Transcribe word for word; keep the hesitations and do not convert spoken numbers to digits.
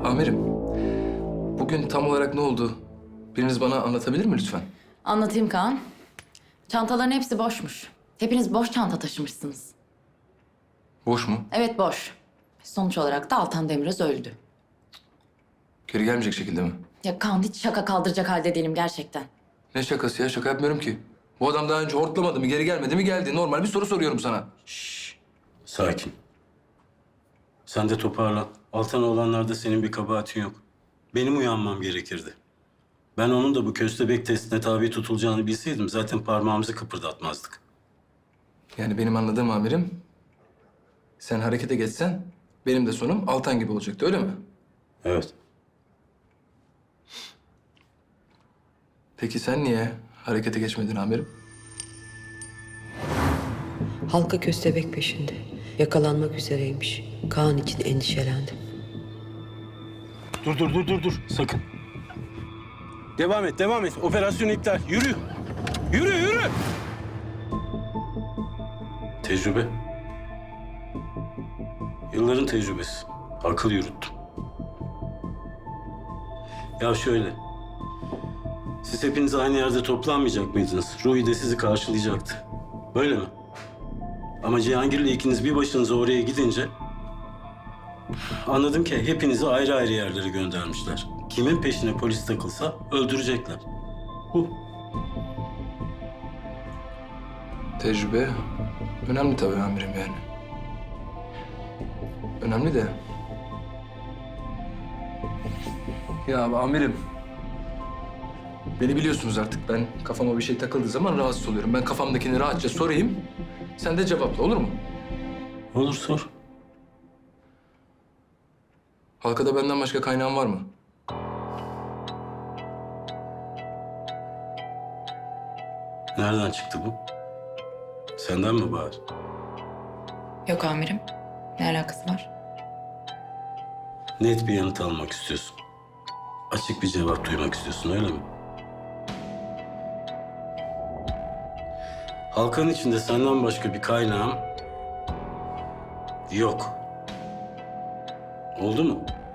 Amirim, bugün tam olarak ne oldu? Biriniz bana anlatabilir mi lütfen? Anlatayım Kaan. Çantaların hepsi boşmuş. Hepiniz boş çanta taşımışsınız. Boş mu? Evet, boş. Sonuç olarak da Altan Demiröz öldü. Geri gelmeyecek şekilde mi? Ya Kaan, hiç şaka kaldıracak halde değilim gerçekten. Ne şakası ya? Şaka yapmıyorum ki. Bu adam daha önce hortlamadı mı, geri gelmedi mi geldi. Normal bir soru soruyorum sana. Sakin. Sen de toparlan. Altan olanlarda senin bir kabahatin yok. Benim uyanmam gerekirdi. Ben onun da bu köstebek testine tabi tutulacağını bilseydim zaten parmağımızı kıpırdatmazdık. Yani benim anladığım amirim, sen harekete geçsen benim de sonum Altan gibi olacaktı, öyle mi? Evet. Peki sen niye harekete geçmedin amirim? Halka köstebek peşinde. Yakalanmak üzereymiş. Kaan için endişelendim. Dur dur dur dur dur. Sakın. Devam et devam et. Operasyon iptal. Yürü. Yürü yürü. Tecrübe. Yılların tecrübesi. Akıl yürüttüm. Ya şöyle. Siz hepiniz aynı yerde toplanmayacak mıydınız? Ruhi de sizi karşılayacaktı. Böyle mi? Ama Cihangir'le ikiniz bir başınıza oraya gidince... anladım ki hepinizi ayrı ayrı yerlere göndermişler. Kimin peşine polis takılsa öldürecekler. Bu. Tecrübe önemli tabii amirim yani. Önemli de. Ya amirim. Beni biliyorsunuz artık. Ben kafama bir şey takıldığı zaman rahatsız oluyorum. Ben kafamdakini rahatça sorayım. Sen de cevapla, olur mu? Olur sor. Halkada benden başka kaynağın var mı? Nereden çıktı bu? Senden mi Bahar? Yok amirim. Ne alakası var? Net bir yanıt almak istiyorsun. Açık bir cevap duymak istiyorsun, öyle mi? Halkanın içinde senden başka bir kaynağım yok. Oldu mu?